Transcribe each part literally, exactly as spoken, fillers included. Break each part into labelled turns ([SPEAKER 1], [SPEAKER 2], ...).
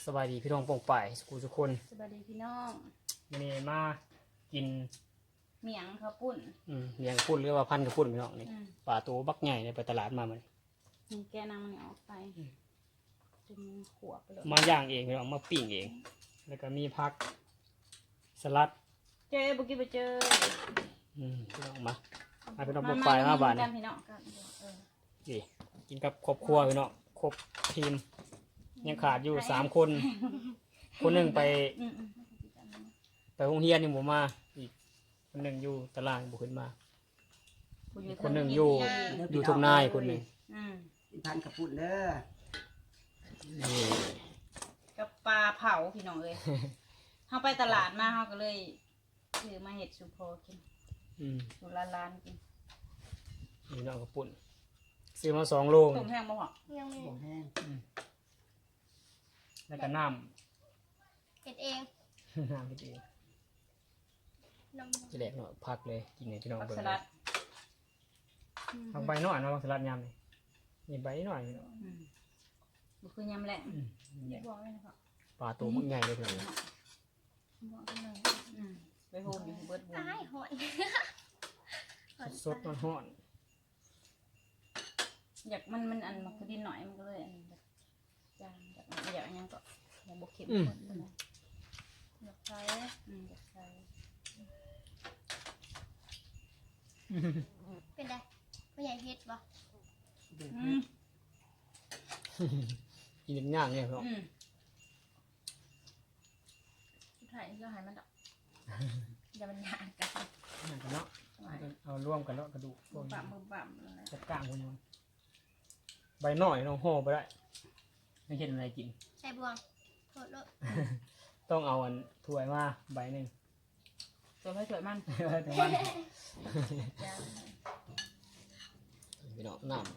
[SPEAKER 1] สบายดีพี่น้องโป่งป่ายสกูทุกคน
[SPEAKER 2] สบายดีพี่น้อง
[SPEAKER 1] วันนี้มากิน
[SPEAKER 2] เมียงข้าวปุ้น
[SPEAKER 1] อืมเลี้ยงปุ้นหรือว่าพันกับปุ้นพี่น้องนี่ปลาตัวบักใหญ่ในไปตลาดมามัน
[SPEAKER 2] นี่แกนางมันออกไปจนขวบไปเลย
[SPEAKER 1] มาย่างเองพี่น้องมาปิ้งเองแล้วก็มีผักสลัด
[SPEAKER 2] เจ๊บุกี้ไปเจอ
[SPEAKER 1] อืมพี่น้องมามาพี่น้องโป่งป่ายมาบ้านนี่ดีกินกับครอบครัวพี่น้องครบทีมยังขาดอยู่สามคนคนหนึ่งไปไปโรงเรียนนี่ผมมาอีกคนหนึ่งอยู่ตลาดบุขึ้นมาคนหนึ่งอยู่อยู่ทุ่งนาคนหนึ่ง
[SPEAKER 3] กินพันกับปุ่นเด้อ
[SPEAKER 2] กับปลาเผาพี่น้องเลยเขาไปตลาดมาเขาก็เลยซื้อมาเห็ดสุโพกินสุรานกิน
[SPEAKER 1] นี่น้องกับปุ่นซื้อมาสองโล
[SPEAKER 2] ต้มแห้งบ่หรอ
[SPEAKER 3] ยังไม่แห้ง
[SPEAKER 1] แล้วก็น้
[SPEAKER 4] ำเก็ดเอง
[SPEAKER 1] น้ำเก็ดเองจะแดกหน่อยพักเลยกินในที่น้องเบิร์นทำใบหน่อยนะสลัดยำนี่นี่ใบหน่อย
[SPEAKER 2] บุคือยำแหละ
[SPEAKER 1] ปลาตัวมันใหญ่เลยเพื่อน
[SPEAKER 2] ไปโฮมอยู่เบิร์ดบุญ
[SPEAKER 1] สดมันห่อน
[SPEAKER 2] อยากมันมันอันมันคือดินหน่อยมันก็เลยอันแบบจางแบบอยากยังก็อยากบกเข็มคนเลยอยากใช้อยากใช้
[SPEAKER 4] เป็นไงไม่ใหญ่เฮ็ดบ่
[SPEAKER 1] กินย่างเนี่ยครับ
[SPEAKER 2] ถ่ายก็หายมันดอกอย่ามันยากกัน
[SPEAKER 1] ย่างกันเนาะเอาร่วมกันเนาะกระดูก
[SPEAKER 2] มือบ่ำมือบ่ำ
[SPEAKER 1] จับกลางคนนึงใบหน่อยน้องห่อไปได้ไม่เห็นอะไรกิน
[SPEAKER 4] ใส่บวงโทษโลด
[SPEAKER 1] ต้องเอาอันถ้วยมาใบหนึ่ง
[SPEAKER 2] ตัวให้สวยมัน
[SPEAKER 1] แต่มันพี่น้องน้ำ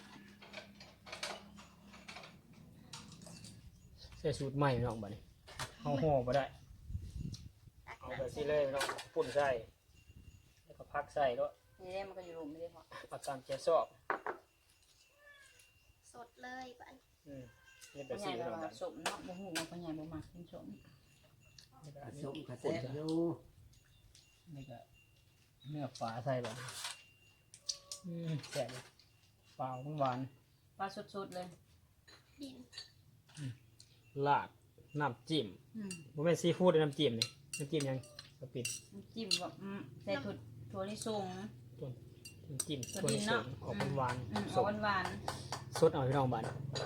[SPEAKER 1] ใส่สูตรใหม่พี่น้องบัดนี้เอาห่อไปได้เอาแบบที่เลยพี่น้องปุ่นใส่แล้วก็พักใส่ด้วย
[SPEAKER 2] นี่ได้มันก็อยู่รวมไม่ได้พอ
[SPEAKER 1] อาการเจ็บซอก
[SPEAKER 4] สดเลยบ้าน
[SPEAKER 1] อืมนี่แบบสีเรา
[SPEAKER 2] สมเนาะบุหูมันก็ใหญ่บุหมักกินสม
[SPEAKER 3] สมกระเซ็ดอยู่
[SPEAKER 1] นี่ก็เนื้อปลาใส่แบบอืมแซ่บเปล่าหวาน
[SPEAKER 2] ปลาสดๆเลย
[SPEAKER 4] ดิน
[SPEAKER 1] ลาดน้ำจิ้มผมเป็นซีฟู้ดน้ำจิ้มนี่น้ำจิ้มยังกระปิด
[SPEAKER 2] น้ำจิ้มแบบใส่ถั่วถั่วลิสง
[SPEAKER 1] น้ำจิ้มถั่วลิสงออกหวาน
[SPEAKER 2] ออกหวาน
[SPEAKER 1] สดเอาพี่น้องบ้าน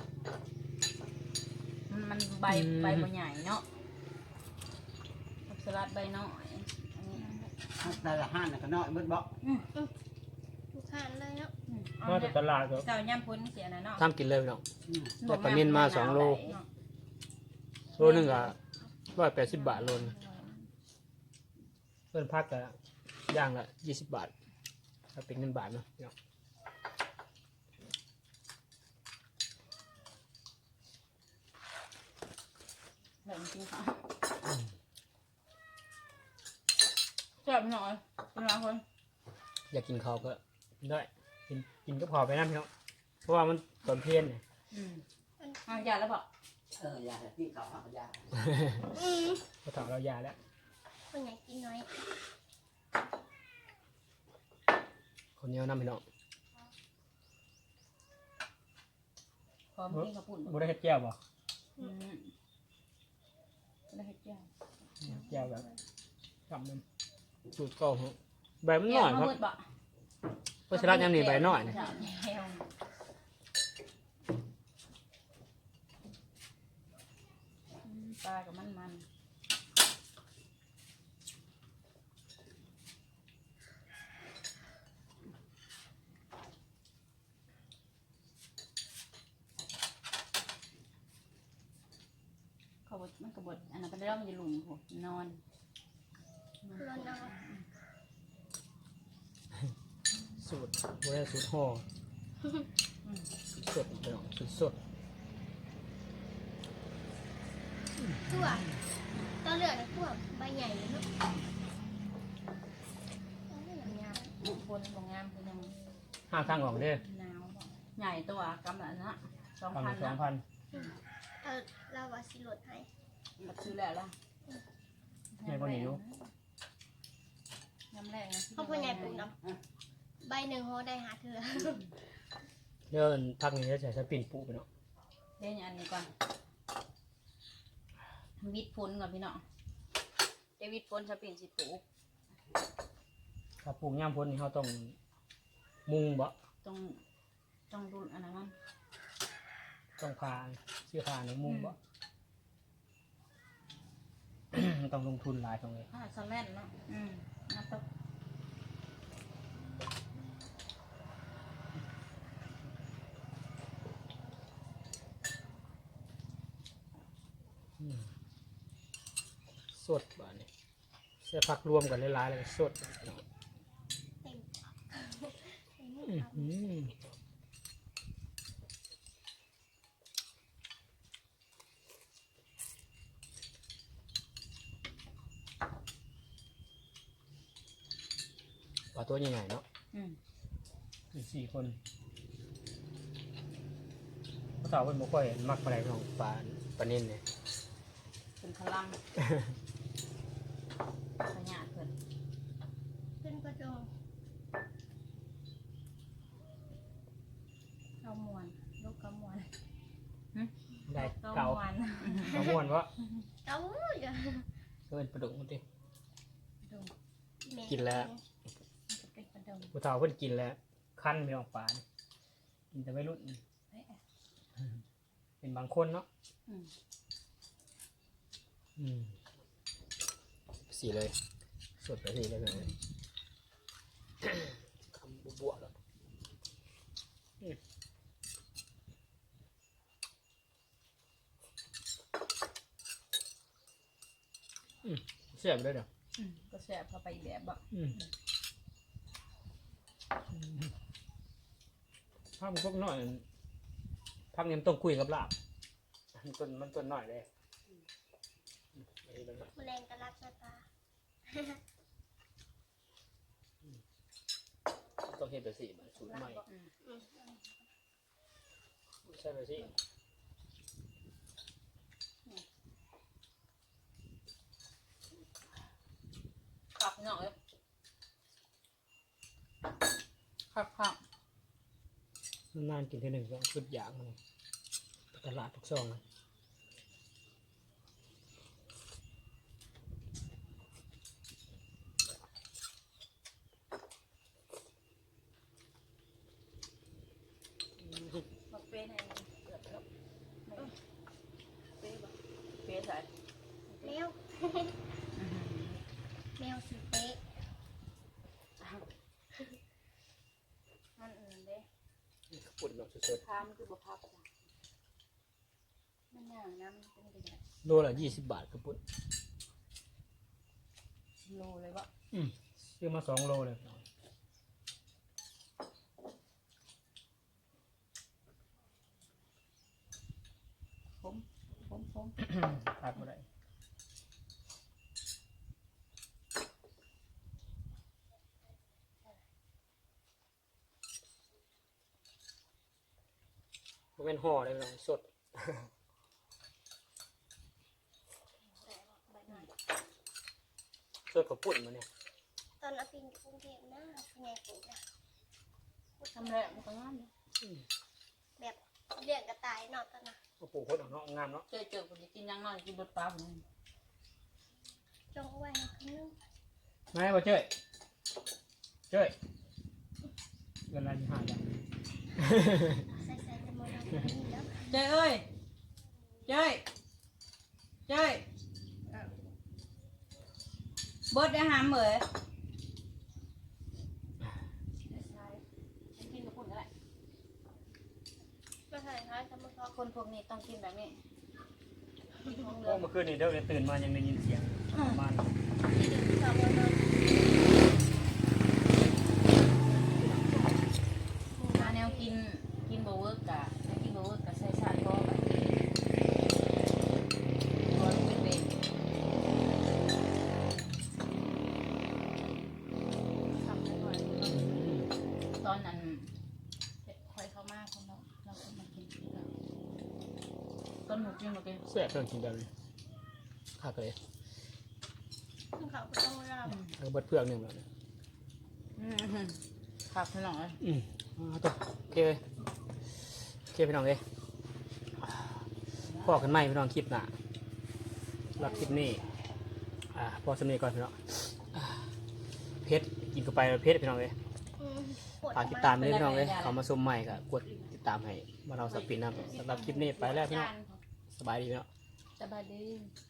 [SPEAKER 2] มันใบใบใหญ่เนาะสลัดใบน้อย
[SPEAKER 3] แต่ละห้านก็น้อยเบิดบ่
[SPEAKER 4] ทุกขั้นเลยเนาะ
[SPEAKER 1] มาจากตลาดก็
[SPEAKER 2] เจ้าย่ำพ้นเสียนะเนาะ
[SPEAKER 1] ทำกินเลยพี่น้องแต่ปลาเมียนมาสองโลโลนึงอ่ะร้อยแปดสิบบาทโลนเพื่อนพักก็ย่างละยี่สิบบาทถ้าเป็นเงินบาทเนาะพี่น้อง
[SPEAKER 2] เดี๋ยวจริงค่ะเจ็บหน่อยเป็นไรคน
[SPEAKER 1] อยากกินข้าวก็ได้กินกินก็พอไปนะพี่น้องเพราะว่ามันตอนเพี้ยนเนี่ย
[SPEAKER 2] อืมอ่ะยาแล้วบอก
[SPEAKER 3] เออยาที่เขาเอายา
[SPEAKER 1] พอถามเรายาแล้ว
[SPEAKER 4] คนใหญ่กินน้อย
[SPEAKER 1] คนเดียวน้ำพี่น้อง
[SPEAKER 2] พร้อมกินข้าวปุ้น
[SPEAKER 1] บุได้เห็ดแก้วบ่
[SPEAKER 2] อืมได้เห็ดแก้ว
[SPEAKER 1] แก้วแบบทำนึงสูตรเก่าใบมันหน่อยครับเพราะฉะนั้นยังหนีใบหน่อยนะ
[SPEAKER 2] ปลากับมันมันเขาบดมันกระบดอันนั้นเป็นเรื่องมันจะหลุมหัวนอน
[SPEAKER 4] นอนนอน
[SPEAKER 1] สูตรโบราณสูตรห่อสดไปหน่อยสดสด
[SPEAKER 4] ตัวตัวเหลืองในตัวใบใหญ่เลยเนาะ
[SPEAKER 2] งามบนของงามคือยัง
[SPEAKER 1] ห้าทางออกเด้อ
[SPEAKER 2] หนาวใหญ่ตัวกำลังนะสองพัน
[SPEAKER 1] สองพัน
[SPEAKER 4] ทเขาเราว่าสิลดให้
[SPEAKER 2] มาซื้อแล้วล่ะ
[SPEAKER 1] ใหญ่กว่านี้อยู่
[SPEAKER 2] น้ำแรงนะ
[SPEAKER 4] เขาพ่อใหญ่ปลูกน้ำใบหนึ่งเขาได้หาเถื่อ
[SPEAKER 1] เดี๋ยวพักนี้จะใส่สปินปูไปเนาะ
[SPEAKER 2] เดี๋ยวอันนี้ก่อนวิดพ้นก่อนพี่น้องเดี๋ยววิดพ้นจะเปลี่ยนสิปลูก
[SPEAKER 1] ถ้าปลูกย่ามพ้นนี่เขาต้องมุงบ่
[SPEAKER 2] ต้องต้องดูอันนั้นมัน
[SPEAKER 1] ต้องพาเสื้อผ้าในมุงบ่ ต้องลงทุนหลายตรงเลย
[SPEAKER 2] ผ้าสแลนเนาะอืมนับตก
[SPEAKER 1] สดบ้านนี้เสื้อผักรวมกันหลายๆเลยสด
[SPEAKER 4] เต็มเต็ม
[SPEAKER 1] อื้อหือปลาตัวใหญ่ๆเนาะ
[SPEAKER 2] อืม
[SPEAKER 1] มีสี่คนพระสาวเป็นบุค่อยมักปลาไหลของปลาปลาเน้นเนี่ย
[SPEAKER 2] เป็นพลังขยะเพิ่น
[SPEAKER 4] ขึ้นกระจง
[SPEAKER 2] เกามวนลูกเกามวน
[SPEAKER 1] ได้
[SPEAKER 2] เกา
[SPEAKER 1] เก่าม
[SPEAKER 2] วน
[SPEAKER 1] เก่าม่วนวะ
[SPEAKER 4] เก้าอย่า
[SPEAKER 1] เอินปลาดุกมันดิ
[SPEAKER 2] ดู
[SPEAKER 4] แม่
[SPEAKER 1] กินแล้ว
[SPEAKER 2] มันเป็นประดม
[SPEAKER 1] ผู้สาวเพิ่นกินแล้วคั้นไม่ออกปลานี่กินแต่ไม่รุ่น
[SPEAKER 2] เฮ้ย
[SPEAKER 1] เป็นบางคนเนาะ
[SPEAKER 2] อืม
[SPEAKER 1] อืมสีเลยสดไปสีเลยเลยคำบวบๆแล้วอืมอืมเสียบเลยเดี๋ยว
[SPEAKER 2] อืมก็แซ่บเข้าไปอีกแบบบ่
[SPEAKER 1] อืมภาพมันพวกน้อยภาพนี้มันต้องคุยกับลาบมันต้นมันต้นน้อยเลยอืมอันนี้เลยนะ
[SPEAKER 4] แมลงกระลักหน้าตา
[SPEAKER 1] ต้องเห็นแบบสีมันสูตรใหม่
[SPEAKER 2] อืม
[SPEAKER 4] อืม
[SPEAKER 1] ใช่แบบสี
[SPEAKER 2] ขับพี่น้องเอ้ยขับขับ
[SPEAKER 1] นานๆกินทีหนึ่งก็ชุดยางมันตลาดทุกซองนะอืม
[SPEAKER 2] มาเป้ให้มันเกิดแล้วไม่เป้บ่เป้ใส่
[SPEAKER 4] แมวแมวสีเป๊ะ
[SPEAKER 2] มันอื่นเด้
[SPEAKER 1] ปุ่นแบบสด
[SPEAKER 2] พามันคือบ่พับจ้ะมันอย่างน้ำมันเป็นยังไง
[SPEAKER 1] ๆโลละยี่สิบบาทกระปุ่น
[SPEAKER 2] โลเลยบ่
[SPEAKER 1] อืมซื้อมาสองโลเลย
[SPEAKER 2] ผมผมผม
[SPEAKER 1] ขาดบ่ได้มันเป็นห่อเลยพี่น้องสด สดกับปุ่นมาเนี่ย
[SPEAKER 4] ตอนเอาปิงกรุงเทพนะพ่อใหญ่ปลูกนะ
[SPEAKER 2] ทำแล้วมันก็งามเลย
[SPEAKER 4] แบบเลี้ยงกระต่ายเนอกตอนน่ะ
[SPEAKER 1] ก็ปลูกคนออกเนาะงามเนาะ
[SPEAKER 2] เจอเจอคนที่กินยังน้อยกินบดปลาผม
[SPEAKER 4] จงเอาไว้ให้คนนึง
[SPEAKER 1] ไม่บ่เจ้ยเจ้ยเงินอะไรที่หาจ้ะ
[SPEAKER 4] ใส่ใส่จะมองเราแบบนี้แล้ว
[SPEAKER 2] เจ้ยเอ้ยเจ้ยเจ้ยบดได้หามเหมยกินกับคนอะไร
[SPEAKER 4] ไม่ใช่ค่ะสมมติว่า
[SPEAKER 2] คนพวกนี้ต้องกินแบบนี้กินของเหลื
[SPEAKER 1] โอ้
[SPEAKER 2] อง
[SPEAKER 1] เมื่อคืนนี่เดี๋ยวตื่นมายังได้ยินเสียงประมาณ
[SPEAKER 4] ที่หนึ่งสองวันนอน
[SPEAKER 2] มาแนวกินกินโบเวิร์กกะแนวกินโบเวิร์กกะใส่ชาก็ไปตัวเป็นเป็นทำได้หน่อยตอนนั้นคอยเข้ามาคนเราเราก็มากินกับต้นหมูนูกินมากิน
[SPEAKER 1] แซ่บเพิ่งกินแบบนี้ข้าวเลย
[SPEAKER 4] ขึ้นเขาก็ต้องร
[SPEAKER 1] แล้วก็เบิดเพื่องหนึ่งแล้ว
[SPEAKER 2] อืมผักขนมเลย
[SPEAKER 1] อืมเอาตัวโอเคเลยโอเคพี่น้องเลยพอกันไหมพี่น้องคลิปหน้ารับคลิปนี้อ่าพอสำนีก่อนพี่น้องอ่าเพชรกินเข้าไปแล้วเพชรพี่น้องเลย
[SPEAKER 4] ำอืมปวด
[SPEAKER 1] ฝากติดตามด้วยพี่น้องเลยเขามาชมใหม่ก็กดติดตามให้มาเราสปินนะสำหรับคลิปนี้ไปแล้วพี่น้องสบายดีพี่น้อง
[SPEAKER 2] สบายดี